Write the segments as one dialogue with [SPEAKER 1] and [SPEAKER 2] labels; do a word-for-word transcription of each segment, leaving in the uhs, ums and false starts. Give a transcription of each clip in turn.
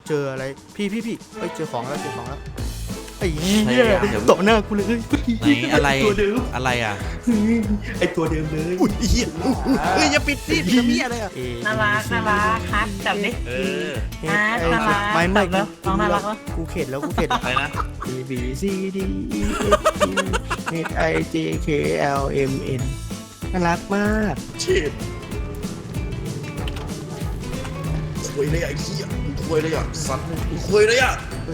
[SPEAKER 1] เจออะไรพี่พี่พี่เอ้ยเจอของแล้วเจอของแล้วไอ้เหี้ยตบหน้ากูเลย
[SPEAKER 2] ไหนอะไรอะไรอ่ะ
[SPEAKER 1] ไอ้ตัวเดิมเลย
[SPEAKER 2] อุ้ยเหี้ยเฮ้ยอย่าปิดสิปิดทำเหี้ยอะไรอ่ะ
[SPEAKER 3] น่ารักน่ารักฮัทจับดิ
[SPEAKER 2] เออ
[SPEAKER 3] ฮัทน่ารัก
[SPEAKER 1] ไม่ไม่
[SPEAKER 3] จับแล้วน้องน่ารักวะ
[SPEAKER 1] กูเข็ดแล้วกูเข็ด
[SPEAKER 2] อะไรนะ
[SPEAKER 1] A B C D E F G H I J K L M N น่ารักมาก
[SPEAKER 2] เชิดคุยเลยอ่ะไอ้เหี้ยคุยเลยอ่ะสัตว์คุยเลยอ่ะ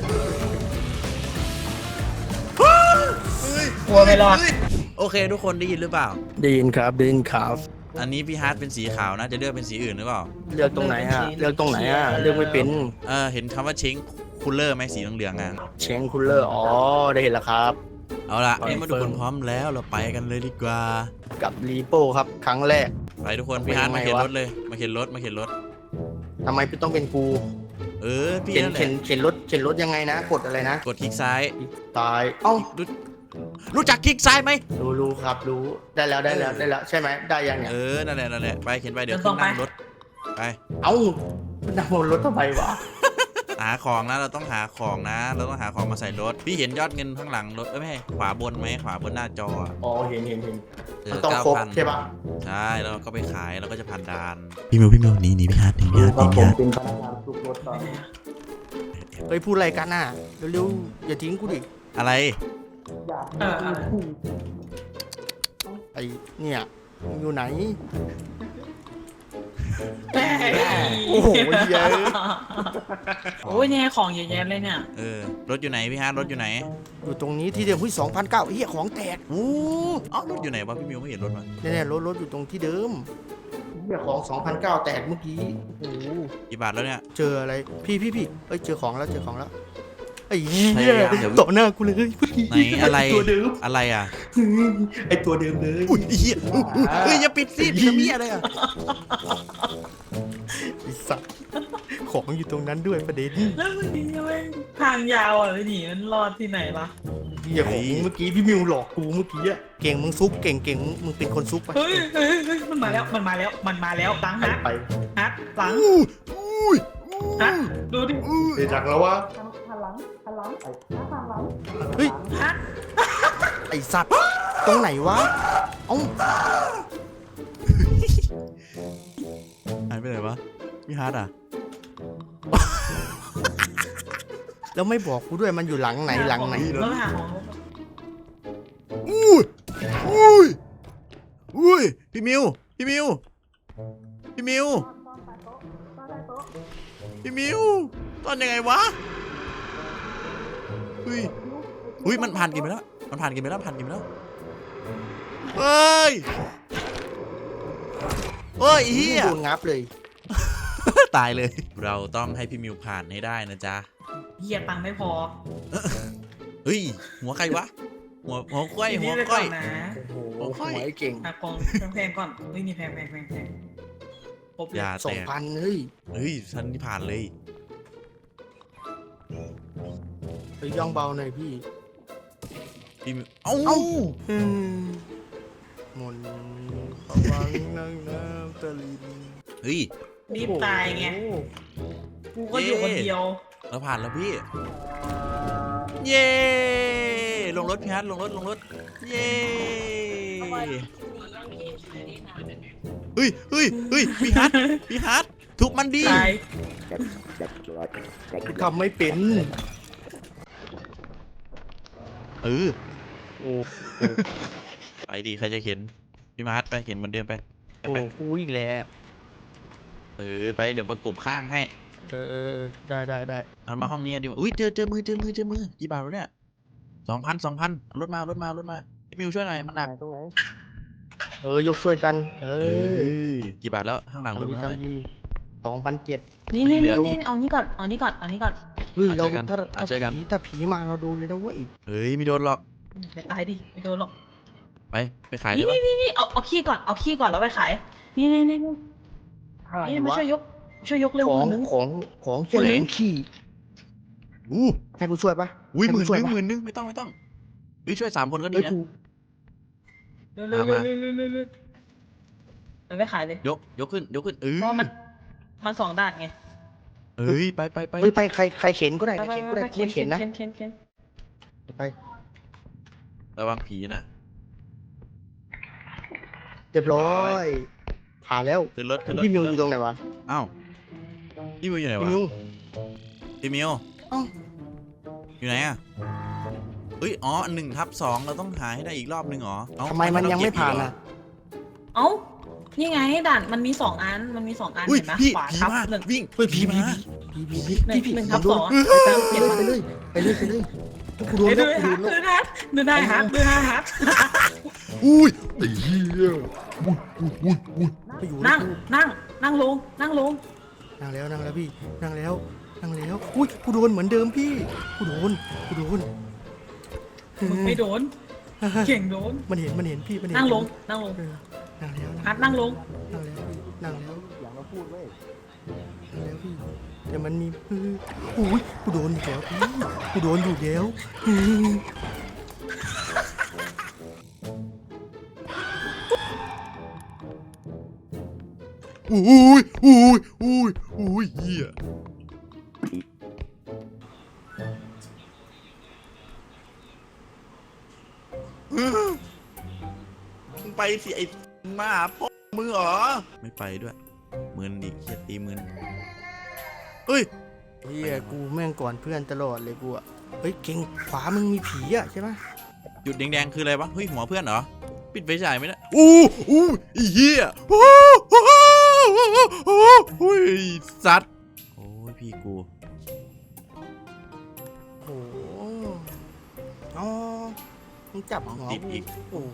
[SPEAKER 3] กลัวไม่รอด
[SPEAKER 2] โอเคทุกคนได้ยินหรือเปล่า
[SPEAKER 1] ได้ยินครับได้ยินครับ
[SPEAKER 2] อันนี้พี่ฮาร์ดเป็นสีขาวนะจะเลือกเป็นสีอื่นหรือเปล่า
[SPEAKER 1] เลือกตรงไหนฮะเลือกตรงไหนฮะเลือกไม่เป็น
[SPEAKER 2] เออเห็นคำว่าเช้งคูลเลอร์ไหมสีเหลืองๆอ่ะ
[SPEAKER 1] เชงคูลเลอร์อ๋อได้เห็นแล้วครับ
[SPEAKER 2] เอาล่ะ
[SPEAKER 1] คอนเฟิร์ม
[SPEAKER 2] นี่มาทุกคนพร้อมแล้วเราไปกันเลยดีกว่า
[SPEAKER 1] กับรีโป้ครับครั้งแรก
[SPEAKER 2] ไปทุกคน
[SPEAKER 1] เป็น
[SPEAKER 2] พี่ฮาร์ดมา
[SPEAKER 1] ยังไง
[SPEAKER 2] เข็น
[SPEAKER 1] วะ
[SPEAKER 2] รถเลยมาเข็นรถมาเข็นรถ
[SPEAKER 1] ทำไมพี่ต้องเป็นกู
[SPEAKER 2] เออพี่
[SPEAKER 1] เข็น
[SPEAKER 2] นั่นแห
[SPEAKER 1] เข็
[SPEAKER 2] ละ
[SPEAKER 1] นเข็นรถเข็นรถยังไงนะกดอะไรนะ
[SPEAKER 2] กดคลิกซ้าย
[SPEAKER 1] ตายเอ้า
[SPEAKER 2] รู้รู้จักคลิกซ้ายไหม
[SPEAKER 1] รู้รู้ครับรู้ได้แล้วได้แล้วได้แล้วใช่ไหมได้ยังเนี่ย
[SPEAKER 2] เออนั่นแหละนั่นแหละไปเข็นไปเดี๋ยว
[SPEAKER 3] เดินต
[SPEAKER 2] ขึ้
[SPEAKER 3] ร
[SPEAKER 2] น
[SPEAKER 3] งไป
[SPEAKER 2] นั่งรถไป
[SPEAKER 1] เอ้านั่งบนรถทำไมวะ
[SPEAKER 2] หาของนะเราต้องหาของนะ เราต้องหาของมาใส่รถพี่เห็นยอดเงินข้างหลังรถเอ้ยไม่ใช่ขวาบนไหมขวาบนหน้าจออะ
[SPEAKER 1] อ๋อเห็นเห็นเห็น
[SPEAKER 2] เอ
[SPEAKER 1] มัน
[SPEAKER 2] อ
[SPEAKER 1] ต้อง
[SPEAKER 2] เก้า
[SPEAKER 1] ครบ
[SPEAKER 2] พัน
[SPEAKER 1] ใช่ปะ
[SPEAKER 2] ใช่แล้วเราก็ไปขายเราก็จะผ่านด่านพี่มิวพี่มิวหนีหนีพี่ฮาร์ดหนีพี่ฮาร์ดหนีพี่ฮาร์ด
[SPEAKER 1] เป็นพนักงานทุกรถตอนเฮ้ยพูดอะไรกันน่ะเร็วๆอย่าทิ้งกูดิ
[SPEAKER 2] อะไร
[SPEAKER 3] เอออะไร
[SPEAKER 1] ไอเนี่ยมึงอยู่ไหน โอ้โหเยอะ
[SPEAKER 3] โอ้ยเนี่ยของเยอะแยะเลยเนี่ย
[SPEAKER 2] เออรถอยู่ไหนพี่ฮาร์ดรถอยู่ไหน
[SPEAKER 1] อยู่ตรงนี้ที่เดิมหุ้ยสองพันเก้าเฮียของแตก
[SPEAKER 2] โอ้เอ้ารถอยู่ไหนวะพี่มิวไม่เห็นรถมา
[SPEAKER 1] เนี่ยๆรถรถอยู่ตรงที่เดิมเฮียของสองพันเก้าแตกเมื่อกี้โอ้โห
[SPEAKER 2] กี่บาทแล้วเนี่ย
[SPEAKER 1] เจออะไรพี่พี่พี่เอ้ยเจอของแล้วเจอของแล้วไอ้เหี้
[SPEAKER 2] พ
[SPEAKER 1] ย
[SPEAKER 2] ยายามอย่า
[SPEAKER 1] ตบหน้ากูเลย
[SPEAKER 2] ไหนอะไร
[SPEAKER 1] ตัวเดิม
[SPEAKER 2] อะไรอ่ะ
[SPEAKER 1] ไอตัวเดิมเลย
[SPEAKER 2] อุ้ยเหี้ยเฮ้ยอย่าปิดสิปิดทำเหี้ยอะไรอ่ะ
[SPEAKER 1] ไอ้สัตว์ของอยู่ตรงนั้นด้วยประเด็น
[SPEAKER 3] แล้วมันนี่ไม่ทางยาวอ่ะพี่หนีมันรอดที่ไหนล่ะ
[SPEAKER 1] เหี้ยของเมื่อกี้พี่มิวหลอกกูเมื่อกี้อะเก่งมึงซุกเก่งเก่งมึงเป็นคนซุกไป
[SPEAKER 3] เฮ้ยเฮ้ยเฮ้ยมันมาแล้วมันมาแล้วมันมาแล้วหลัง
[SPEAKER 1] ไป
[SPEAKER 3] ฮัท
[SPEAKER 1] ไป
[SPEAKER 3] ฮัทหลัง
[SPEAKER 2] อุ้ยอุ้ย
[SPEAKER 3] ฮัทดูดิ
[SPEAKER 1] เดี๋ยวจักแล้ววะ
[SPEAKER 3] หันหลังหันหลังหันหลัง
[SPEAKER 1] เฮ้ย
[SPEAKER 3] ฮัท
[SPEAKER 1] ไอสัตว์ตรงไหนวะเอ้า
[SPEAKER 2] หายไปไหนวะพี่ฮาร์ดอ่ะ
[SPEAKER 1] แล้วไม่บอกกูด้วยมันอยู่หลังไหนหลังไหน
[SPEAKER 3] แล้วหาของ
[SPEAKER 2] อุ้ยอุ้ยอุ้ยพี่มิวพี่มิวพี่มิวพี่มิวตอนยังไงวะเฮ้ยเฮ้ยมันผ่านกินไปแล้วมันผ่านกินไปแล้วผ่านกินไปแล้วเฮ้ยเฮ้ยเฮีย
[SPEAKER 1] โดนงับเลย
[SPEAKER 2] ตายเลย เราต้องให้พี่มิวผ่านให้ได้นะจ๊ะ
[SPEAKER 3] เฮียตังค์ไม่พอ
[SPEAKER 2] เฮ้ยหัวใครวะหัวหัวก้อยหัว
[SPEAKER 3] ไป
[SPEAKER 2] ก้อย
[SPEAKER 3] นนะ
[SPEAKER 1] โอ้โหหวยเก่ง
[SPEAKER 3] หากองแพงๆก่อนเฮ้ยนี่แพงแพงแพงแพงครบเล
[SPEAKER 2] อย ย่า
[SPEAKER 1] สอ
[SPEAKER 2] แต
[SPEAKER 1] ง
[SPEAKER 2] ก
[SPEAKER 1] พันเฮ้ย
[SPEAKER 2] เฮ้ยฉันนี่ผ่านเลย
[SPEAKER 1] ไปย่องเบาหน่อยพี่
[SPEAKER 2] พี่มิวเอ้า
[SPEAKER 1] เอ้า อืมมนต์ขวังนั่งน้ำตะลิน
[SPEAKER 2] เฮ้ย
[SPEAKER 3] รีบตายไง กูก็อยู่คนเดียว
[SPEAKER 2] เราผ่านแล้วพี่ เย้ลงรถพี่ฮัทลงรถลงรถ เย้เฮ้ยเฮ้ยเฮ้ยพี่ฮัทพี่ฮัททุบมันดี
[SPEAKER 3] ตาย
[SPEAKER 1] กูทำไม่เป็น
[SPEAKER 2] เออ
[SPEAKER 1] โอ้
[SPEAKER 2] ไปดีใครจะเข็นพี่มาร์ทไปเข็นเหมือนเดิมไป
[SPEAKER 1] โหกูอีกแล้ว
[SPEAKER 2] เออไปเดี๋ยวประกบข้างให้
[SPEAKER 1] เออได้ได้ได้
[SPEAKER 2] เอามาห้องนี้ดีกว่าอุ้ยเจอเจอมือเจอมือเจอมือกี่บาทแล้วเนี่ยสองพันสองพันรถมารถมารถมาพี่มิวช่วยหน่อยมันหนัก
[SPEAKER 1] ตรงไหนเออยกช่วยกัน เอ
[SPEAKER 2] เอ
[SPEAKER 1] อ
[SPEAKER 2] อกี่บาทแล้วข้างหลังรถ
[SPEAKER 1] ทำดี
[SPEAKER 2] มาเท่าไหร่
[SPEAKER 1] ทำดีสองพันเจ็ด
[SPEAKER 3] นี่นี่นี่นี่เอานี่ก่อนเอานี่ก่อนเอานี่ก่อน
[SPEAKER 1] เฮ้ยเรา
[SPEAKER 2] เจอกัน
[SPEAKER 1] ถ้า
[SPEAKER 2] อ่ะเจอกัน
[SPEAKER 1] ผีถ้าผีมาเราดูเลยนะเว้ย
[SPEAKER 2] เฮ้ยไม่โดนหรอก
[SPEAKER 3] ไปตายดิไม่โดนหรอก
[SPEAKER 2] ไปไปขายได้
[SPEAKER 3] นี่
[SPEAKER 2] ปะ
[SPEAKER 3] นี่นี่นี่เอาเอาขี้ก่อนเอาขี้ก่อนแล้วไปขายนี่นี่นี่นี่
[SPEAKER 1] อะไร
[SPEAKER 3] นี่มาว
[SPEAKER 1] ะ
[SPEAKER 3] ช่วยยกช่วยยกเร็ว
[SPEAKER 1] ของ
[SPEAKER 3] นึง
[SPEAKER 1] ของของเช่นหนึ่งขี้
[SPEAKER 2] อู้
[SPEAKER 1] ให้กูช่วยปะ
[SPEAKER 2] อุ้ยห
[SPEAKER 1] ให้
[SPEAKER 2] มื่
[SPEAKER 1] กู
[SPEAKER 2] น
[SPEAKER 1] ช่
[SPEAKER 2] นึ
[SPEAKER 1] วย
[SPEAKER 2] ง
[SPEAKER 1] ปะ
[SPEAKER 2] หมื่นนึงไม่ต้องไม่ต้องอุ้ยช่วยสามคนก็ดี
[SPEAKER 1] เฮ้ย
[SPEAKER 2] นะ
[SPEAKER 1] กู
[SPEAKER 3] เร็วเร็วเร็วเร็วเร็วเร็วเร็วเอาไปขายเลย
[SPEAKER 2] ยกยกขึ้นยกขึ้นเออ
[SPEAKER 3] เพราะมันมันสองด้านไง
[SPEAKER 2] เฮ้ยไปไปไป
[SPEAKER 1] เฮ้ยไปใครใครเข็นก็ได้
[SPEAKER 3] ไป
[SPEAKER 1] ใคร
[SPEAKER 3] ไป
[SPEAKER 1] เข็นก็ได้กูเข็นนะ
[SPEAKER 3] เข็นเข็นเข็น
[SPEAKER 1] ไป
[SPEAKER 2] ระวังผีนะ
[SPEAKER 1] เรียบร้อยผ่านแล้ว
[SPEAKER 2] ขึ้นรถขึ้นรถ
[SPEAKER 1] พี่มิวอยู่ตรงไหนวะ
[SPEAKER 2] อ้าวพี่มิวอยู่ไหน
[SPEAKER 1] พี่
[SPEAKER 2] วะ
[SPEAKER 1] มิว
[SPEAKER 2] พี่มิว
[SPEAKER 1] เอ้า
[SPEAKER 2] อยู่ไหนอะเฮ้ยอ๋อหนึ่งทับสองเราต้องหาให้ได้อีกรอบหนึ่งเหรอเอ้า
[SPEAKER 1] ทำไมมันยังไม่ผ่านอ่ะ
[SPEAKER 3] เอ้านี่ไงด่านมันมีสองอันมันมีสองอัน
[SPEAKER 2] อุ้ย
[SPEAKER 3] เห็นไหม
[SPEAKER 2] พี่
[SPEAKER 3] ขวา
[SPEAKER 2] ผี
[SPEAKER 3] ทับ
[SPEAKER 2] มา
[SPEAKER 3] หนึ่ง
[SPEAKER 2] วิ่ง
[SPEAKER 1] เฮ้ยผี
[SPEAKER 2] ผี
[SPEAKER 1] ผี
[SPEAKER 2] มา
[SPEAKER 1] ผีผีผี
[SPEAKER 3] หนึ่ง
[SPEAKER 1] พี่พี่
[SPEAKER 3] หนึ่งทับ
[SPEAKER 1] ผมโด
[SPEAKER 3] ส
[SPEAKER 1] น
[SPEAKER 3] อง
[SPEAKER 1] ไปเลยไปเลยไปเลยไปเลยกูโดน
[SPEAKER 3] เฮ้ย
[SPEAKER 1] แล้
[SPEAKER 3] ดู
[SPEAKER 1] วกูโด
[SPEAKER 3] ฮั
[SPEAKER 1] น
[SPEAKER 3] ท
[SPEAKER 1] แล้ว
[SPEAKER 3] ดูฮัทดูได้ฮัทดูได้ฮัท
[SPEAKER 2] อุ้ย
[SPEAKER 1] ไอ้เหี้ยอุ้ยอุ้ยอุ้ยอุ้ยไปอยู่
[SPEAKER 3] นั่ง
[SPEAKER 1] กู
[SPEAKER 3] นั่งนั่งลงนั่งลง
[SPEAKER 1] นั่งแล้วนั่งแล้วพี่นั่งแล้วนั่งแล้วอุ้ยกูโดนเหมือนเดิมพี่กูโดนกูโดน
[SPEAKER 3] มึงไม่โดนเก่งโดน
[SPEAKER 1] มันเห็นมันเห็นพี่มันเห็น
[SPEAKER 3] นั่งลงนั่งลง
[SPEAKER 1] เออนั่งแล้ว
[SPEAKER 3] ฮัทนั่งลง
[SPEAKER 1] นั่งแล้วพี่นั่งแล้วอย่างเราพูดเว้ยนั่งแล้วพี่แต่มันมีเอออุ้ยกูโดนอีกแล้วพี่กูโดนอยู่แล้วอืม
[SPEAKER 2] อุ้ยอุ้ยอุ้ยอุ้ยเหี้ยมึงไปสิไอ้หมาพ่อมึงเหรอไม่ไปด้วยมึนดิเฮียตีมึนเฮ้ย
[SPEAKER 1] เฮียกูแม่งก่อนเพื่อนตลอดเลยกูอะเฮ้ยเก่งขวามึงมีผีอะใช่ไหม
[SPEAKER 2] จุดแดงๆคืออะไรวะเฮ้ยหัวเพื่อนเหรอปิดไฟฉายไหมเนี่ยอู้อู้ไอ้เหี้ยโอ้โหโอ้โหสัตว์โอ้ยพี่กู
[SPEAKER 1] โอ้โหอ๋อมึงจับหัว
[SPEAKER 2] ติดอีก
[SPEAKER 1] โอ้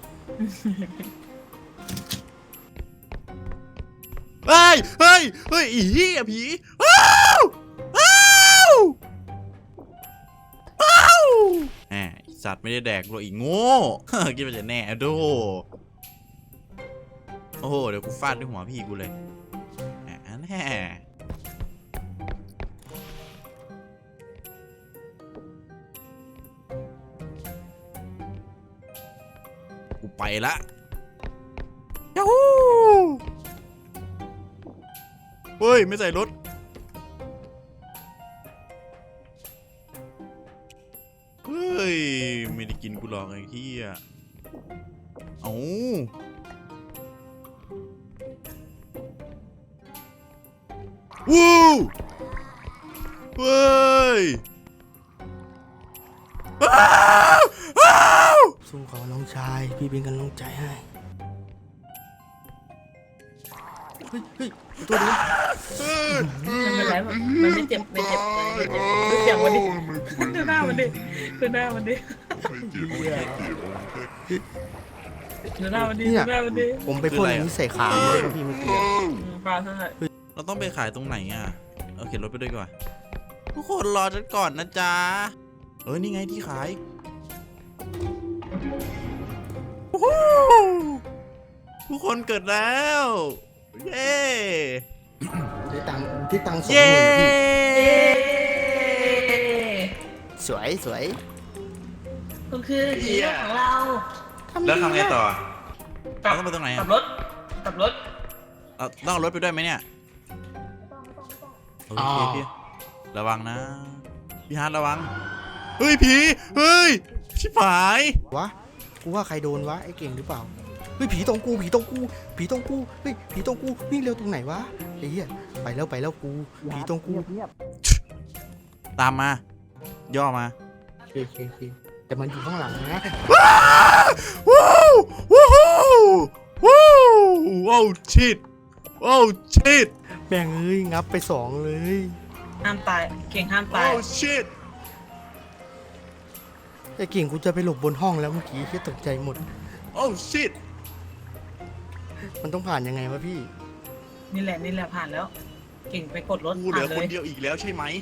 [SPEAKER 2] เฮ้ยเฮ้ยเฮ้ยไอีเหี้ยผีอ้าวอ้าวอ้าวแหมไอ้สัตว์ไม่ได้แดกหรอกอีโง่ คิดว่าจะแน่อะโดโอ้โหเดี๋ยวกูฟาดด้วยหัวพี่กูเลยแหมแน่กูไปละยาฮูเฮ้ยไม่ใส่รถเฮ้ยไม่ได้กินกูหรอกไอ้ที่อ่ะเอ้าวู้เฮ้ยอ้าวอ้าว
[SPEAKER 1] สู้เขาน้องชายพี่เป็นกำลังใจให้เฮ้ยเฮ้ยตัวนี้
[SPEAKER 3] ไม่เป็นไรมันมันไม่เจ็บไม่เจ็บไม่เจ็บดูเสียงมันดิดูหน้ามันดิดูหน้ามันดิดูหน้ามันดิดูหน้ามันดิ
[SPEAKER 1] ผมไปพ่นอันนี้ใส่ขาเลยนะพี่เมื่อกี้
[SPEAKER 3] ปลาเท่าไหร่
[SPEAKER 2] เราต้องไปขายตรงไหนอ่ะเอาเข็นรถไปด้วยก่อนทุกคนรอฉันก่อนนะจ๊ะเออนี่ไงที่ขายโอ้โหทุกคนเกิดแล้วเย้
[SPEAKER 1] ที่ตังที่ตังสองห
[SPEAKER 2] เย้
[SPEAKER 1] มื่นพี่สวยสวย
[SPEAKER 3] ก็คือฮีโร่ของเรา
[SPEAKER 2] แล้วทำไงต่อ
[SPEAKER 3] กลับ
[SPEAKER 2] เราต้องไปตรงไหน
[SPEAKER 3] กลั
[SPEAKER 2] อ่ะ
[SPEAKER 3] บรถกลับรถ
[SPEAKER 2] เอาต้องเอารถไปด้วยไหมเนี่ยโอเคพี่ระวังนะพี่ฮาร์ดระวังเฮ้ยผีเฮ้ยชิบหายว
[SPEAKER 1] ะกูว่าใครโดนวะไอ้เก่งหรือเปล่าเฮ้ยผีตรงกูผีตรงกูผีตรงกูเฮ้ยผีตรงกูวิ่งเร็วตรงไหนวะไอ้เหี้ยไปแล้วไปแล้วกูผีตรงกู
[SPEAKER 2] ตามมา ย่อมา
[SPEAKER 1] โอเคโอเคโอเคแต่มันอยู่ข้างหลังนะ
[SPEAKER 2] ว้าวว้าวว้าวว้าวชิดว้าวชิด
[SPEAKER 1] แม่งเอ้ยงับไปสองเลย
[SPEAKER 3] ห้ามตายเก่งห้ามตา
[SPEAKER 2] ว้าวย ชิด
[SPEAKER 1] ไอ้เก่งกูจะไปหลบบนห้องแล้วเมื่อกี้แค่ตกใจหมด
[SPEAKER 2] โอ้ชิด
[SPEAKER 1] มันต้องผ่านยังไงวะพี่
[SPEAKER 3] นี่แหละนี่แหละผ่านแล้ว เก่งไปกดรถ
[SPEAKER 2] กูเหลื
[SPEAKER 3] ผ่า
[SPEAKER 2] อน
[SPEAKER 3] เล
[SPEAKER 2] คน
[SPEAKER 3] ย
[SPEAKER 2] เดียวอีกแล้วใช่ไหม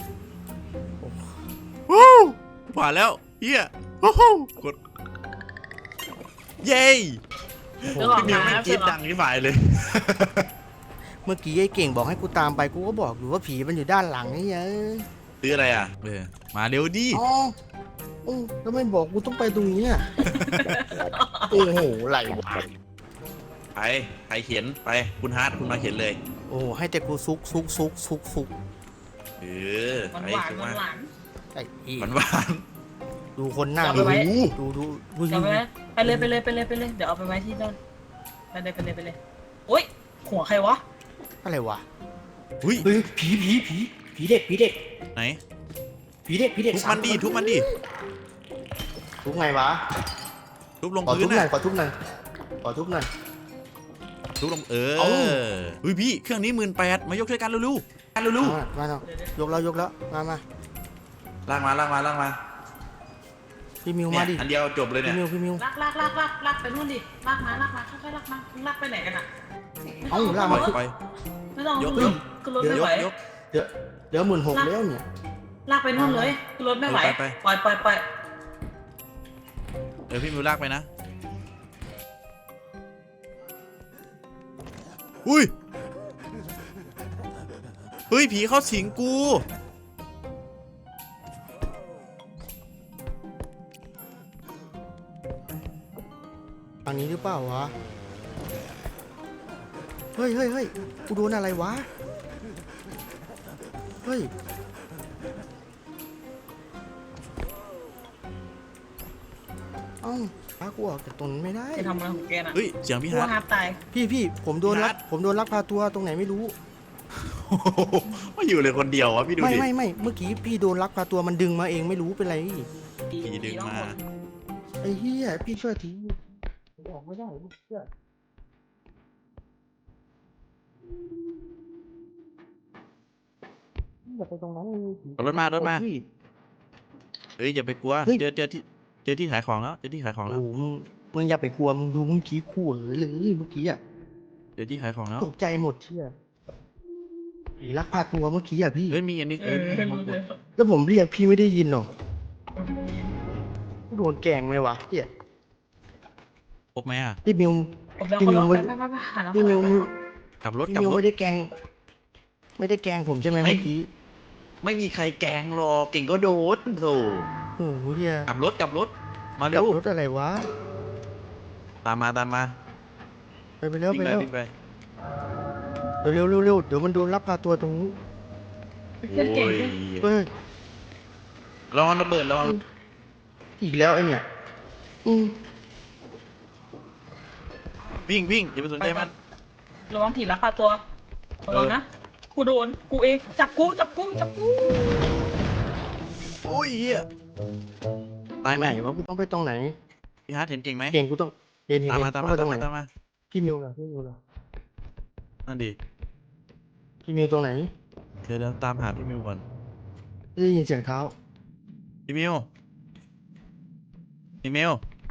[SPEAKER 2] ว้าวผ่านแล้วเฮียว้าวกดเย้
[SPEAKER 3] เรื่องของ
[SPEAKER 2] พี่มิว
[SPEAKER 3] หา
[SPEAKER 2] ไม่กรีดดังที่ฝ่ายเลย
[SPEAKER 1] เมื่อกี้ไอ้เก่งบอกให้กูตามไปกูก็บอกอยู่ว่าผีมันอยู่ด้านหลังนี่เอ้ย
[SPEAKER 2] ซื้ออะไรอ่ะเออมาเร็วดิ
[SPEAKER 1] อ๋อโอ้แล้วไม่บอกกูต้องไปตรงนี้อ่ะ โอ้โหไหลวะ
[SPEAKER 2] ไปใครเขียนไปคุณฮาร์ดคุณมาเขียนเลย
[SPEAKER 1] โอ้ให้แต่กูซุกซุกซุกซุกซุก
[SPEAKER 2] ออ
[SPEAKER 3] หวาน
[SPEAKER 2] ไป
[SPEAKER 3] หวาน
[SPEAKER 2] เข้า
[SPEAKER 3] หวา
[SPEAKER 2] มา
[SPEAKER 3] นหวาน
[SPEAKER 1] ไอ้อี
[SPEAKER 2] หวานหวาน
[SPEAKER 1] ดูคนหน้า
[SPEAKER 3] เอา
[SPEAKER 1] ดู
[SPEAKER 3] ไปไว้
[SPEAKER 1] ดูดูดู
[SPEAKER 3] เดี๋ยวไปไว้ไปเลยไปเลยไปเลยไปเลยเดี๋ยวเอาไปไว้ที่นั่นไปเลยไปเลยไปเลยโอ๊ยหัวใครวะ
[SPEAKER 1] อะไรวะ
[SPEAKER 2] อุ้ย
[SPEAKER 1] เฮ้ยผีผีผีผีเด็กผีเด็ก
[SPEAKER 2] ไหน
[SPEAKER 1] ผีเด็กผีเด็ก
[SPEAKER 2] ทุบมันดิทุบมันดิ
[SPEAKER 1] ทุบไงวะ
[SPEAKER 2] ทุบลง
[SPEAKER 1] ขอ
[SPEAKER 2] พื้
[SPEAKER 1] ทุ
[SPEAKER 2] น
[SPEAKER 1] บหน่อย
[SPEAKER 2] น่ะ
[SPEAKER 1] ขอทุบหน่อยขอทุบหน่อย
[SPEAKER 2] ทุบลงเออ
[SPEAKER 1] เอ้า
[SPEAKER 2] เฮ้ยพี่เครื่องนี้หมื่นแปดมายกช่วยกันเร็วๆกันเร็ว
[SPEAKER 1] มามาเอา
[SPEAKER 3] เดี๋ยวเดี๋ยวย
[SPEAKER 1] กแล้วยกแล้วมามา
[SPEAKER 2] ๆลากมาลากมาลากมา
[SPEAKER 1] พี่มิว
[SPEAKER 2] เนี่
[SPEAKER 1] มาย ดิ
[SPEAKER 2] อันเดียวจบเลย
[SPEAKER 1] พี่
[SPEAKER 2] เนี่ย
[SPEAKER 1] มิวพี่มิว
[SPEAKER 3] ลากลากลากลากลากไปนู่นดิลากมาลากมาค่อยๆลากมาลากไปไหนกันอ่ะ
[SPEAKER 1] เอ้าลาก
[SPEAKER 2] ปล่
[SPEAKER 1] มา
[SPEAKER 2] อยปล่อย
[SPEAKER 3] ไม่ต้อง
[SPEAKER 2] ยก
[SPEAKER 3] ขึ้นรถขึ้นรถไม่
[SPEAKER 2] ย
[SPEAKER 3] ไหว
[SPEAKER 2] กยก
[SPEAKER 1] เดี๋ยวเดี๋ยวหมื่นหกแล้วเนี่ย
[SPEAKER 3] ลากไปนู่นเลยขึ้นรถไม่ไหว
[SPEAKER 2] ไปไป
[SPEAKER 3] ปล่อยปล่อยปล่อย
[SPEAKER 2] เดี๋ยวพี่มิวลากไปนะอุ้ยเฮ้ยผีเข้าสิงกู
[SPEAKER 1] อันนี้หรือเปล่าวะเฮ้ยเฮ้ยเฮ้ยกูโดนอะไรวะเฮ้ยเอ้าพากูออกจากตรงนั้นไม่ได้
[SPEAKER 3] จะทำอะไรของแกน่ะ
[SPEAKER 2] เฮ้ยเสียงพี่
[SPEAKER 3] กลั
[SPEAKER 2] ฮาร์ด
[SPEAKER 3] วฮาร์ดตาย
[SPEAKER 1] พี่พี่ผมโดนลัก
[SPEAKER 2] พี่ฮัท
[SPEAKER 1] ผมโดนลักพาตัวตรงไหนไม่รู้
[SPEAKER 2] ไม่อยู่เลยคนเดียววะพี่ดู
[SPEAKER 1] ไม่
[SPEAKER 2] ดิ
[SPEAKER 1] ไม่ไม่เมื่อกี้พี่โดนลักพาตัวมันดึงมาเองไม่รู้เป็นไร
[SPEAKER 2] ผีดึงมา
[SPEAKER 1] ไอ้เหี้ยพี่ช่วยทีออกไม่ได้ลูกเชื่ออย่าไปตรงนั้นเลย
[SPEAKER 2] เอารถมารถมา
[SPEAKER 1] พี่
[SPEAKER 2] เฮ้ยอย่าไปกลัว
[SPEAKER 1] เฮ้ย
[SPEAKER 2] เจอเจอที่เจอที่ขายของแล้วเจอที่ขายของแล้ว
[SPEAKER 1] โอ้โหมึงมึงอย่าไปกลัวมึงดูเมื่อกี้ขู่เลยเลยเมื่อกี้อ่ะ
[SPEAKER 2] เจอที่ขายของแล้ว
[SPEAKER 1] ตกใจหมดเชื่อไอ้ลักพาตัวเมื่อกี้อ่ะพี่
[SPEAKER 2] เฮ้ยมีอันนี้
[SPEAKER 3] เอ
[SPEAKER 2] เอ้ย
[SPEAKER 3] อรู้เลย
[SPEAKER 1] แล้วผมเรียกพี่ไม่ได้ยินหรอกโดนแกล้งไหมวะเฮีย
[SPEAKER 2] พบไหมอ่ะ
[SPEAKER 1] พี่มิว
[SPEAKER 3] ผมแล้ว
[SPEAKER 1] พี่
[SPEAKER 3] คน
[SPEAKER 1] มิว
[SPEAKER 3] ละ
[SPEAKER 1] ไม่
[SPEAKER 3] ไปไปไปหาแล้ว
[SPEAKER 1] พี่มิว
[SPEAKER 2] กลับรถ
[SPEAKER 1] พี่
[SPEAKER 2] กลับ
[SPEAKER 1] มิว
[SPEAKER 2] รถ
[SPEAKER 1] ไม่ได้แกล้งไม่ได้แกล้งผมใช่ไหม
[SPEAKER 2] ไม่
[SPEAKER 1] เมื่อกี้
[SPEAKER 2] ไม่มีใครแกล้งหรอกเก่งก็โดนโธ่
[SPEAKER 1] โอ้โหเฮีย
[SPEAKER 2] กลับรถกลับรถมา
[SPEAKER 1] ขั
[SPEAKER 2] เร็
[SPEAKER 1] บ
[SPEAKER 2] ว
[SPEAKER 1] รถอะไรวะ
[SPEAKER 2] ตามมาตามมา
[SPEAKER 1] ไปไปเร็ว
[SPEAKER 2] วิ่
[SPEAKER 1] ไป
[SPEAKER 2] งไป
[SPEAKER 1] เร็ว
[SPEAKER 2] วิ่งไป
[SPEAKER 1] เร็วเร็วเร็วเดี๋ยวมันโดนลักพาตัวตรงนู้น
[SPEAKER 3] เก่งเก่ง
[SPEAKER 2] โอ้ย
[SPEAKER 1] เฮ้ย
[SPEAKER 2] ระวังระเบิดระวัง
[SPEAKER 1] อีกแล้วไอ้เนี่ยอืม
[SPEAKER 2] วิ่งวิ่งอย่าไปสนใจมัน
[SPEAKER 3] ระวังถีบราคาตัวระวังนะกูโดนกูเองจับกูจับกูจับกู
[SPEAKER 2] โอ้ยเหี้ยตายไหม
[SPEAKER 1] ไหนวะกูต้องไปตรงไหน
[SPEAKER 2] พี่ฮาร์ดเห็นเก่งไหม
[SPEAKER 1] เก่งกูต้องเห็นเห็น
[SPEAKER 2] ตาม
[SPEAKER 1] เห็
[SPEAKER 2] มาน ตาม
[SPEAKER 1] ต้อง
[SPEAKER 2] มา
[SPEAKER 1] ไปต
[SPEAKER 2] ตา
[SPEAKER 1] รง
[SPEAKER 2] ม
[SPEAKER 1] ไหน
[SPEAKER 2] มาตามมา
[SPEAKER 1] พี่มิวเหรอพี่มิวเหรอ
[SPEAKER 2] นั่นดิ
[SPEAKER 1] พี่มิวตรงไหน
[SPEAKER 2] เดี๋ยวเดี๋ยวตามหาพี่มิวก่อน
[SPEAKER 1] ได้ยินเสียงเท้า
[SPEAKER 2] พี่มิวพี่มิว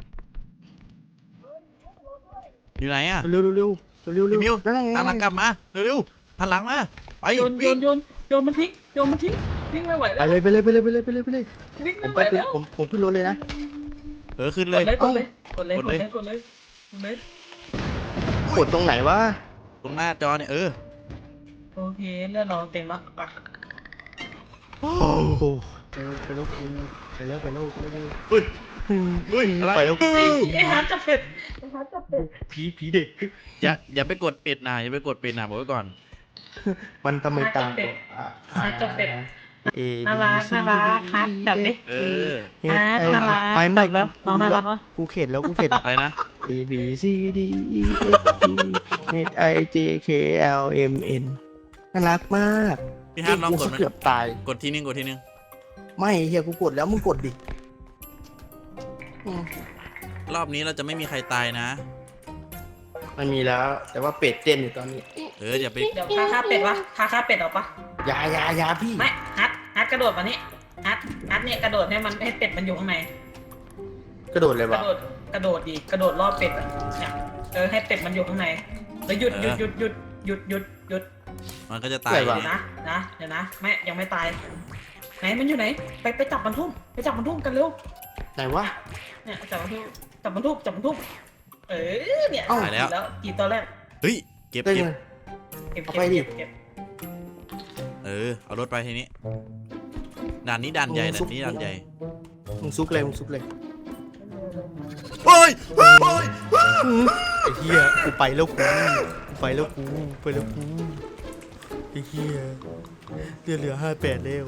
[SPEAKER 2] อยู่ไหนอ่ะ
[SPEAKER 1] เร็วเร็วเร็วเร็วเร็ว
[SPEAKER 2] พี่มิว
[SPEAKER 1] นั่นไง
[SPEAKER 2] ตามหลังกลับมาเร็วๆหันหลังมาไป
[SPEAKER 3] โยนโย
[SPEAKER 2] วิ่ง
[SPEAKER 3] นโยนโยนมันทิ้งโยนมันทิ้งวิ่งไม่ไหว
[SPEAKER 1] ไป
[SPEAKER 3] แล้ว
[SPEAKER 1] เลยไปเลยไปเลยไปเลยไปเลยไปเลย
[SPEAKER 3] วิ่ง
[SPEAKER 1] ผ
[SPEAKER 3] ไม่
[SPEAKER 1] ม
[SPEAKER 3] ไหว
[SPEAKER 1] ไปขึ้น
[SPEAKER 3] แล้ว
[SPEAKER 1] ผมผมขึ้นรถเลยนะ
[SPEAKER 2] เออขึ้น
[SPEAKER 3] ก
[SPEAKER 2] เล
[SPEAKER 3] ด
[SPEAKER 2] ย
[SPEAKER 3] เลยกดเลยกดเลยกดเลยกดเลยกดเลย
[SPEAKER 1] กดตรงไหนวะ
[SPEAKER 2] ตรงหน้าจอเนี่ยเออ
[SPEAKER 3] โอเคเลือดเราเต็มละอ่ะ
[SPEAKER 1] โอ้โหไปแล้วไปแล้วไปแล้วไปแล้วไปแล้ว
[SPEAKER 2] เฮ้ยเฮ้ยอะไร
[SPEAKER 1] ไปแล้ว
[SPEAKER 3] ไอ้ฮาร์ดจับเป็ดไอ้ฮาร์ดจับเป็ด
[SPEAKER 1] ผีผีเด็ก
[SPEAKER 2] อย่าอย่าไปกดปิดนะอย่าไปกดปิดนะบอกไว้ก่อน
[SPEAKER 1] มันทำไมตาม
[SPEAKER 3] ฮาร์ดจับเป็ด
[SPEAKER 1] เอ
[SPEAKER 3] น่ารักน่ารักฮาร์ดจับดิ
[SPEAKER 2] เออ
[SPEAKER 3] อ่าน่ารัก
[SPEAKER 1] ไปไม่
[SPEAKER 3] จับแล้วน้องน่ารักวะ
[SPEAKER 1] กูเข็ดแล้วกูเข็ด
[SPEAKER 2] อะไรนะ
[SPEAKER 1] A B C D E F G H I J K L M N น่ารักมาก
[SPEAKER 2] พี่ฮาร์ดลองกด
[SPEAKER 1] กู
[SPEAKER 2] มัน
[SPEAKER 1] เกือบตาย
[SPEAKER 2] กดทีนึงกดทีนึง
[SPEAKER 1] ไม่เฮียกูกดแล้วมึงกดดิอืม
[SPEAKER 2] รอบนี้เราจะไม่มีใครตายนะ
[SPEAKER 1] มันมีแล้ว แต่ว่าเป็ดเต้นอยู่ตอนนี้
[SPEAKER 2] เอออย่าไป
[SPEAKER 3] เดี๋ยวคาค่าเป็ดวะคาค่าเป็ดเอาปะ
[SPEAKER 1] อยาอยาอยาพี่
[SPEAKER 3] ไม่ฮัทฮัทกระโดดมานี่ฮัทฮัทเนี่ยกระโดดให้มันให้เป็ดมันอยู่ข้างใน
[SPEAKER 1] กระโดดเลย
[SPEAKER 3] ก
[SPEAKER 1] วะ
[SPEAKER 3] ระโดดกระโดดดีกระโดดรอบเป็ดอะเนี่ยเออให้เป็ดมันอยู่ข้างในแล้วหยุดหยุดหยุดหยุดหยุดหยุดหยุด
[SPEAKER 2] มันก็จะตาย
[SPEAKER 3] เดี๋ยวนะนะเดี๋ยวนะไม่ยังไม่ตายไหนมันอยู่ไหนไปไปจับมันทุ่มไปจับมันทุ่มกันเร็ว
[SPEAKER 1] ไหนวะ
[SPEAKER 3] เนี่ยจับมันทุ่มจับมันทุ่มจับมันทุ่มเออเนี่ย
[SPEAKER 1] เอ้า
[SPEAKER 2] ตายแล้ว
[SPEAKER 3] แล้วกี่ตัวแรก
[SPEAKER 2] เฮ้ยเก็บ
[SPEAKER 1] ได้
[SPEAKER 2] เก็บ
[SPEAKER 1] ไง
[SPEAKER 3] เก็บ
[SPEAKER 1] เอา
[SPEAKER 3] เก็
[SPEAKER 1] ไป
[SPEAKER 3] บ
[SPEAKER 1] ดิ
[SPEAKER 3] เก็บเก็บ
[SPEAKER 2] เออเอารถไปทีนี้ด่านนี้ด่านใหญ่ด่านนี้ด่านใหญ่
[SPEAKER 1] มึงซุกเลยมึงซุกเลย
[SPEAKER 2] เฮ้ยเฮ้ย
[SPEAKER 1] ไอ้เหี้ยกูไปแล้วกูกูไปแล้วกูไปแล้วกูอ้เหี้ยเลือดเหลือห้าแปดแล้ว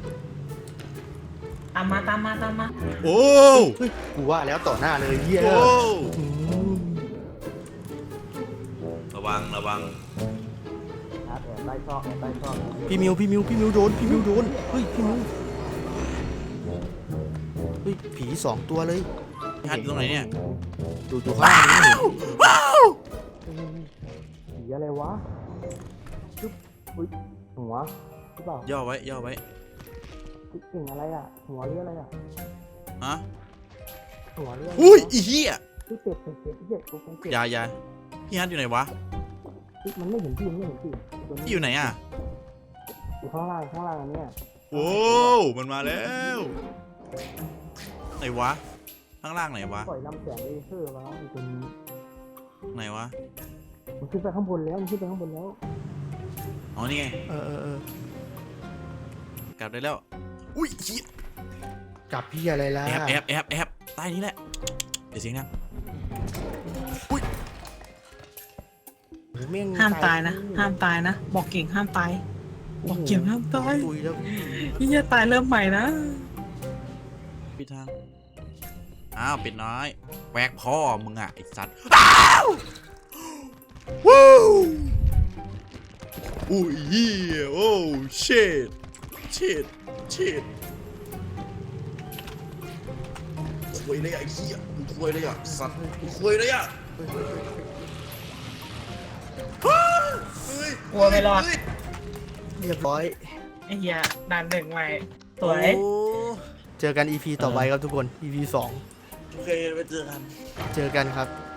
[SPEAKER 3] ตามมาตามมาตามมา
[SPEAKER 2] โอ้
[SPEAKER 1] เฮ้ยกูว่าแล้วต่อหน้าเลยเหี้ย
[SPEAKER 2] โอ้
[SPEAKER 1] อืม
[SPEAKER 2] ระวังระวัง
[SPEAKER 1] พี่มิวพี่มิวพี่มิวโดนพี่มิวโดนเฮ้ยพี่มิวเฮ้ยผีสองตัวเลย
[SPEAKER 2] พี่ฮัทอยู่ตรงไหนเนี่ย
[SPEAKER 1] ดูดูข้างนี้
[SPEAKER 2] ว้าว
[SPEAKER 1] ผีอะไรวะจุ๊บอุ้ยหัวหรือเปล่า
[SPEAKER 2] ย่อไว้ย่อไว้
[SPEAKER 1] เก่งอะไรอ่ะหัวเรืออะไรอ่ะ
[SPEAKER 2] ฮะ
[SPEAKER 1] หัวเรือ
[SPEAKER 2] อุ้ยอีเหี้ย
[SPEAKER 1] คือเป็ดเป็ดเป็ดเป็ดกูเป็นเป็ด
[SPEAKER 2] อยาอยาพี่ฮัทอยู่ไหนวะ
[SPEAKER 1] มันไม่เห็นพี่มันไม่เห็นพี่
[SPEAKER 2] พี่อยู่ไหนอ่ะ
[SPEAKER 1] อยู่ข้างล่างข้างล่างอันเนี้ย
[SPEAKER 2] โอ้มันมาแล้วไหนวะข้างล่างไหนวะ
[SPEAKER 1] ปล่อยลำแสงเลเซอร์มาอยู่ตรงนี้
[SPEAKER 2] ไหนวะ
[SPEAKER 1] มันขึ้นไปข้างบนแล้วมันขึ้นไปข้างบนแล้ว
[SPEAKER 2] อ๋อนี่ไง
[SPEAKER 1] เออเออเออก
[SPEAKER 2] ลับได้แล้วอุ้ยเหี้ย
[SPEAKER 1] จับพี่อะไรล่ะ
[SPEAKER 2] แอบแอบแอบแอบใต้นี้แหละเดี๋ยวเสียงดังอุ้ย
[SPEAKER 1] แม่ง
[SPEAKER 3] ห้ามตายนะห้ามตายนะบอกเก่งห้ามตายบอกเก่งห้ามตาย
[SPEAKER 1] ตุยแล้วพี่
[SPEAKER 3] พี่จะตายเริ่มใหม่นะ
[SPEAKER 2] ปิดทางอ้าวปิดน้อยแหวกพ่อมึงอ่ะไอสัตว์อ้าววู้อุ้ยเหี้ยโอ้ชิตชิตชิตคุยเลยอ่ะไอ้เหี้ยมึงคุยเลยอ่ะสัตว์มึงคุยเลยอ่ะเฮ้ย
[SPEAKER 3] กลัวไม่รอด
[SPEAKER 2] เฮ้ย
[SPEAKER 1] เรียบร้อย
[SPEAKER 3] ไอ้เหี้ยด่านหนึ่งใหม่สวย
[SPEAKER 2] โอ้
[SPEAKER 1] เจอกัน อี พี ต่อไปครับทุกคน อี พี สอง
[SPEAKER 2] โอเคไปเจอกัน
[SPEAKER 1] เจอกันครับ